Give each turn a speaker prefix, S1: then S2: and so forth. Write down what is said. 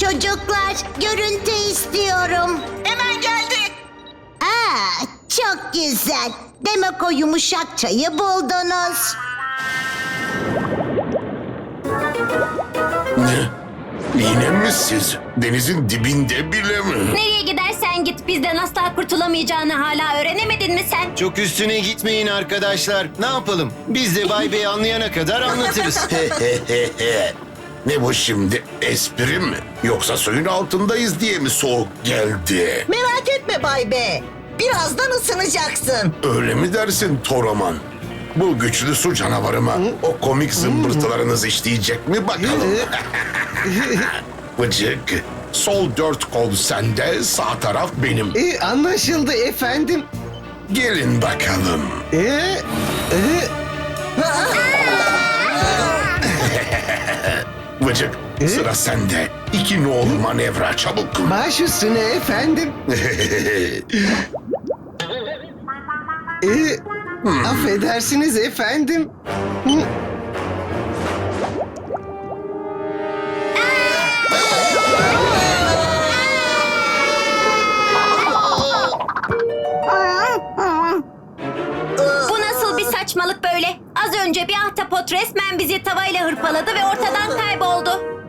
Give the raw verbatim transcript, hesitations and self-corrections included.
S1: çocuklar. Görüntü istiyorum.
S2: Hemen geldi.
S1: Aa, çok güzel. Demek o yumuşak çayı buldunuz.
S3: Ne? Yine mi siz? Denizin dibinde bile mi?
S4: Nereye gidersen git bizden asla kurtulamayacağını hala öğrenemedin mi sen?
S5: Çok üstüne gitmeyin arkadaşlar. Ne yapalım? Biz de Bay Bey anlayana kadar anlatırız.
S3: Ne bu şimdi? Espri mi? Yoksa suyun altındayız diye mi soğuk geldi?
S2: Merak etme Bay B. Birazdan ısınacaksın.
S3: Öyle mi dersin Toraman? Bu güçlü su canavarı mı? O komik zımbırtılarınız işleyecek mi bakalım? Bıcık, sol dört kol sende, sağ taraf benim.
S6: E, anlaşıldı efendim.
S3: Gelin bakalım.
S6: E, e,
S3: Bıcık, sıra sende. İki nolu manevra, çabuk.
S6: baş üstüne efendim. E, affedersiniz efendim. Hı,
S4: Bu nasıl bir saçmalık böyle? Az önce bir ahtapot resmen bizi tavayla hırpaladı ve ortadan kayboldu.